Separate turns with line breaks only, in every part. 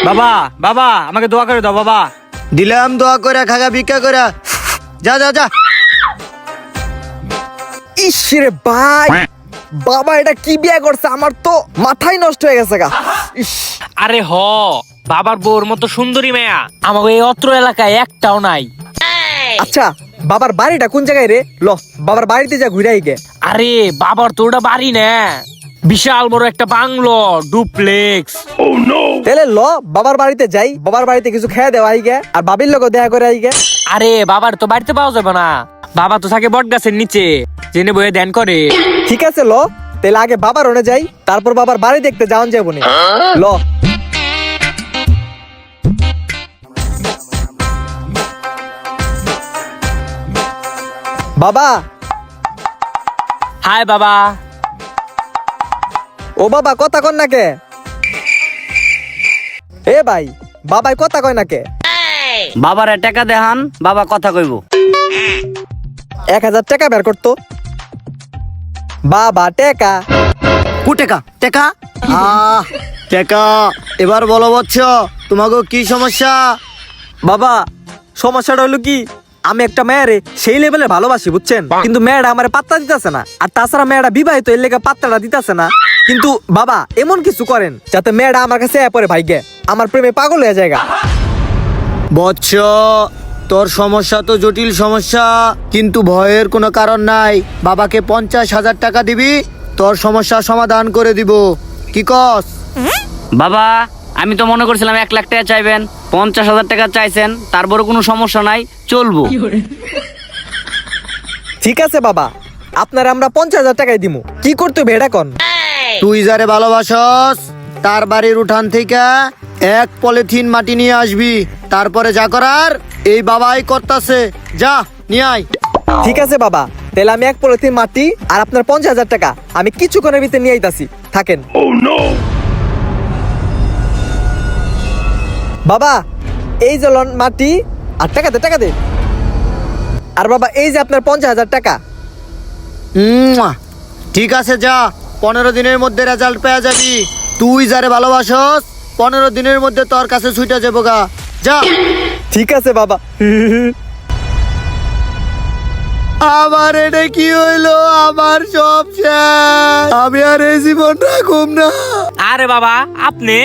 বাবা বাবা আমাকে দোয়া করে দাও বাবা।
দিলাম দোয়া করে খাগা ভিক্ষা করে। যা যা যা।
ইস রে ভাই, বাবা এটা কি বিয়ে করছে, আমার তো মাথাই নষ্ট হয়ে গেছে গা। ইস,
আরে হ, বাবার বউর মতো সুন্দরী মেয়া আমাকে এই অত্র এলাকায় একটাও নাই।
আচ্ছা বাবার বাড়িটা কোন জায়গায় রে? ল বাবার বাড়িতে যা ঘুরে আইগে।
আরে বাবার তো ওটা বাড়ি না, বিশাল বড় একটা বাংলো, ডুপ্লেক্স।
তাহলে ল বাবার বাড়িতে যাই, বাবার বাড়িতে কিছু খেয়ে দেওয়া আইগে, আর বাবির লোক দেখা করে আইগে।
আরে বাবার তো বাড়িতে পাওয়া যাবে না, বাবা তো থাকে বট গাছের নিচে, জেনে বয়ে ধ্যান করে।
ঠিক আছে ল, তাহলে আগে বাবার ওনে যাই, তারপর বাবার বাড়ি দেখতে যাওয়ান যাবো না। ল বাবা।
হাই বাবা।
ও বাবা কথা কন না কে? এ ভাই, বাবাই কথা কয় না কে?
বাবারে টাকা দেখান, বাবা কথা কইব।
1000 টাকা বের করতো। বাবা টেকা।
কু টেকা টেকা? টেকা। এবার বলো বচ্চ, তোমাকে কি সমস্যা?
বাবা সমস্যাটা হলো কি, আমি একটা মেয়েরে সেই লেভেলে ভালোবাসি বুঝছেন, কিন্তু মেয়েটা আমার পাত্তা দিতেছে না, আর তাছাড়া মেয়েটা বিবাহিত, এর লেগে পাত্তাটা দিতেছে না। কিন্তু বাবা এমন কিছু করেন যাতে মেয়েটা আমার কাছে পরে ভাইগে আমার প্রেমে পাগল হয়ে যায়।
বচ্চ, তোর সমস্যা তো জটিল সমস্যা, কিন্তু ভয়ের কোনো কারণ নাই। বাবাকে 50,000 টাকা দিবি, তোর সমস্যা সমাধান করে দিব। কি কস?
বাবা, আমি তো মনে করছিলাম 1 লাখ টাকা চাইবেন, 50,000 টাকা চাইছেন, তারপরে কোনো সমস্যা নাই, চলবো।
ঠিক আছে বাবা, আপনার আমরা 50,000 টাকাই দিমু। কি করতে হবে এটা কন?
তুই যারে ভালোবাসস তার বাড়ির উঠান থেকে 1 পলিথিন মাটি নিয়ে আসবি, তারপরে যা করার এই বাবাই করতাছে, যা নিয়ে আয়।
ঠিক আছে বাবা, তাহলে আমি 1 পলিথিন মাটি আর আপনার 50,000 টাকা আমি কিছুক্ষণের ভিতরে নিয়ে আইতাছি, থাকেন। বাবা এই যে লন মাটি, আর টাকা দে টাকা দে। আর বাবা এই যে আপনার 50,000 টাকা।
ঠিক আছে, যা, 15 দিনের মধ্যে রেজাল্ট পেয়ে যাবি। তুই যারে ভালোবাসস 15 দিনের মধ্যে তোর কাছে ছুটে যাবো গা, যা।
ঠিক আছে বাবা।
আমার এটা কি হইলো? আমার সব শেষ, আমি আর এই জীবন রাখুম না।
আরে বাবা আপনি?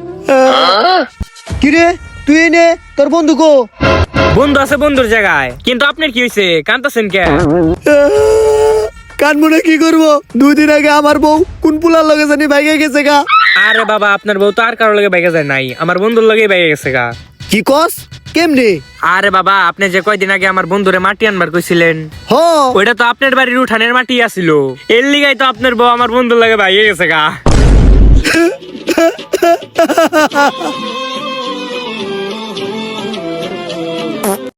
কিরে তুই নে, তোর বন্ধু কো?
বন্ধু আছে বন্ধুর জায়গায়, কিন্তু আপনার কি হয়েছে, কান্তাছেন কে?
কানমুনে কি করবো? 2 দিন আগে আমার বউ কোন পুলার লগে জানি ভাইগে গেছে গা।
আরে বাবা আপনার বউ তো আর কারোর লগে বাইকে যায় নাই, আমার বন্ধুর লগেই বাইকে গেছে গা।
কি কস? কেমনে?
আরে বাবা আপনি যে কয়দিন আগে আমার বন্ধুরে মাটি আনবার কইছিলেন,
হ,
ওইটা তো আপনার বাড়ির উঠানের মাটি আছিল, এর লিগাই তো আপনার বউ আমার বন্ধুর লগে বাইকে গেছে গা।